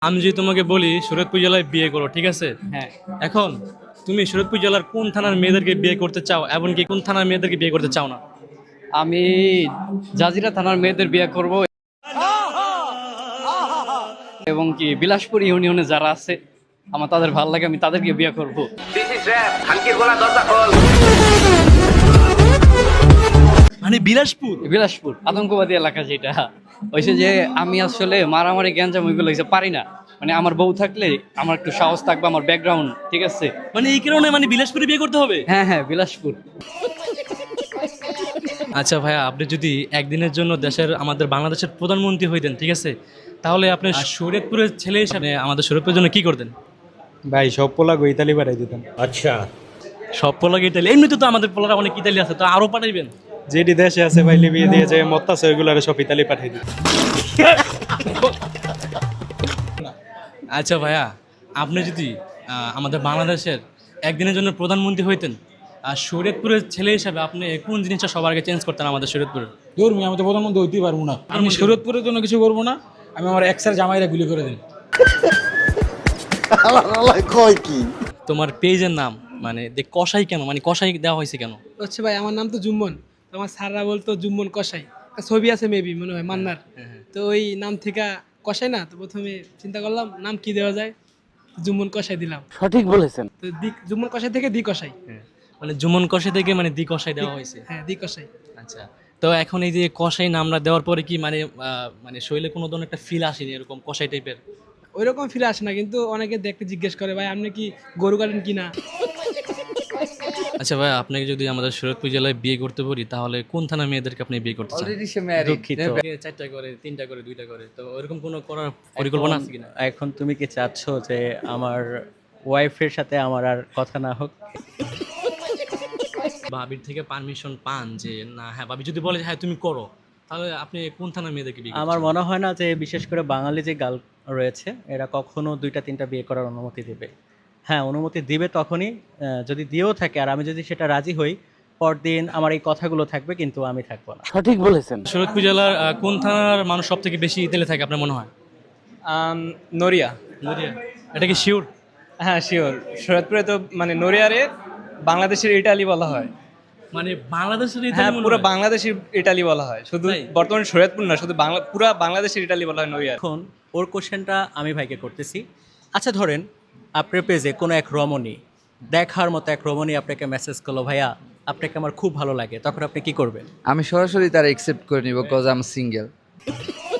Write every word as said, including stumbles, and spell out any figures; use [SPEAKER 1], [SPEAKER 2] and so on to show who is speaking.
[SPEAKER 1] আমি যদি তোমাকে বলি শরীয়তপুর জেলায় বিয়ে করো, ঠিক আছে?
[SPEAKER 2] হ্যাঁ,
[SPEAKER 1] এখন তুমি শরীয়তপুর জেলার কোন থানার মেয়েদেরকে বিয়ে করতে চাও এবং কি কোন থানার মেয়েদেরকে বিয়ে করতে চাও না?
[SPEAKER 2] আমি জাজিরা থানার মেয়েদের বিয়ে করব এবং কি বিলাসপুর ইউনিয়নে যারা আছে আমার তাদের ভালো লাগে, আমি তাদেরকে বিয়ে করব।
[SPEAKER 1] মানে বিলাসপুর?
[SPEAKER 2] বিলাসপুর আতঙ্কবাদী এলাকা যেটা হয়েছে, যে আমি আসলে মারামারি গ্যাঞ্জাম ওইগুলো কিছু পারি না। মানে আমার বউ থাকলে আমার একটু সাহস থাকবে, আমার ব্যাকগ্রাউন্ড ঠিক আছে।
[SPEAKER 1] মানে এই কারণে মানে বিলাসপুরে বিয়ে করতে হবে?
[SPEAKER 2] হ্যাঁ হ্যাঁ, বিলাসপুর।
[SPEAKER 1] আচ্ছা ভাইয়া, আপনি যদি একদিনের জন্য দেশের আমাদের বাংলাদেশের প্রধানমন্ত্রী হইতেন, ঠিক আছে, তাহলে আপনি শরীয়তপুরের ছেলে হিসাবে আমাদের শরীয়তপুরের জন্য কি করতেন?
[SPEAKER 3] ভাই সব পোলা ইতালি পাঠাই দিতাম।
[SPEAKER 1] সব পোলাকে ইতালি? এমনিতে তো আমাদের পোলারা অনেক ইতালি আছে, তো আরো পাঠাইবেন?
[SPEAKER 3] যেটি দেশে আছে ভাই লিবিয়ে দিয়েছে মত্তাছে ওইগুলো সব ইতালি পাঠাই দিতাম।
[SPEAKER 1] আচ্ছা ভাইয়া, আপনি যদি আহ, আমাদের বাংলাদেশের একদিনের জন্য প্রধানমন্ত্রী হইতেন, আর শরীয়তপুরের ছেলে হিসাবে আপনি কোন জিনিসটা সবার আগে চেঞ্জ করতেন আমাদের শরীয়তপুরে?
[SPEAKER 4] ধর্মী আমি তো প্রধানমন্ত্রী হইতেই পারবো না। আমি শরীয়তপুরের জন্য কিছু করবো না, আমি আমার এক্সার জামাইরা গুলি করে দিন।
[SPEAKER 1] তোমার পেজের নাম মানে দে কসাই কেন, মানে কসাই দেওয়া হয়েছে কেন?
[SPEAKER 5] হচ্ছে ভাই, আমার নাম তো জুম্মন, তো আমার স্যাররা বলতো জুম্মন কসাই। একটা ছবি আছে মেবি মনে হয় মান্নার, তো ওই নাম থেকে কসাই না, তো প্রথমে চিন্তা করলাম নাম কি দেওয়া যায়, জুম্মন কসাই দিলাম।
[SPEAKER 2] সঠিক বলেছেন।
[SPEAKER 5] তো দি জুম্মন কসাই থেকে দি কসাই।
[SPEAKER 1] মানে জুমন কসাই থেকে মানে দি কসাই দেওয়া হয়েছে।
[SPEAKER 5] হ্যাঁ, দি কসাই।
[SPEAKER 1] আচ্ছা, তো এখন এই যে কসাই নামটা দেওয়ার পরে কি মানে আহ, মানে শরীরে কোনো ধরনের একটা ফিল আসেনি এরকম কসাই টাইপের?
[SPEAKER 5] ওই রকম ফিরে আসে না, কিন্তু অনেকে দেখতে জিজ্ঞেস করে ভাই আপনি কি গরু কাটেন কিনা।
[SPEAKER 1] আচ্ছা ভাই, আপনাকে যদি আমাদের শরীয়তপুর জেলায় বিয়ে করতে পারি তাহলে কোন থানা মেয়েদেরকে আপনি বিয়ে করতে চান?
[SPEAKER 2] দুঃখিত।
[SPEAKER 1] চারটা করে, তিনটা করে, দুইটা করে, তো ওইরকম কোনো করার পরিকল্পনা আছে কিনা?
[SPEAKER 6] এখন তুমি কি চাচ্ছ যে আমার ওয়াইফের সাথে আমার আর কথা না হোক?
[SPEAKER 1] ভাবির থেকে পারমিশন পান যে না, হ্যাঁ ভাবি যদি বলে যে হ্যাঁ তুমি করো, তাহলে আপনি কোন থানার মেয়েদেরকে বিয়ে করতে
[SPEAKER 6] আমার
[SPEAKER 1] চান?
[SPEAKER 6] মনে হয় না যে বিশেষ করে বাঙালি যে গার্ল রয়েছে এরা কখনো দুইটা তিনটা বিয়ে করার অনুমতি দেবে। হ্যাঁ, অনুমতি দিবে তখনই আহ, যদি দিয়েও থাকে আর আমি যদি সেটা রাজি হই, পরদিন আমার এই কথাগুলো থাকবে কিন্তু আমি থাকবো না।
[SPEAKER 2] সঠিক বলেছেন।
[SPEAKER 1] শরীয়তপুর জেলার আহ, কোন থানার মানুষ সব থেকে বেশি তেলে থাকে আপনার মনে হয়?
[SPEAKER 7] নড়িয়া।
[SPEAKER 1] নদিয়া? এটা কি শিওর?
[SPEAKER 7] হ্যাঁ শিওর, শরৎপুরে তো মানে নড়িয়ারে বাংলাদেশের ইটালি বলা হয়।
[SPEAKER 1] মানে বাংলাদেশের ইতালি
[SPEAKER 7] হ্যাঁ,
[SPEAKER 1] মনে
[SPEAKER 7] পুরো
[SPEAKER 1] হয়?
[SPEAKER 7] বাংলাদেশের ইটালি বলা হয়, শুধু
[SPEAKER 1] তাই?
[SPEAKER 7] বর্তমানে শরৎপুর না, শুধু বাংলা পুরো বাংলাদেশের ইটালি বলা হয় নড়িয়া।
[SPEAKER 6] এখন ওর কোশ্চেনটা আমি ভাইকে করতেছি। আচ্ছা ধরেন আপনার পেজে কোনো এক রমণী, দেখার মতো এক রমণী আপনাকে মেসেজ করলো, ভাইয়া আপনাকে আমার খুব ভালো লাগে, তখন আপনি কি করবেন?
[SPEAKER 8] আমি সরাসরি তার একসেপ্ট করে নিব, কজ আম সিঙ্গেল।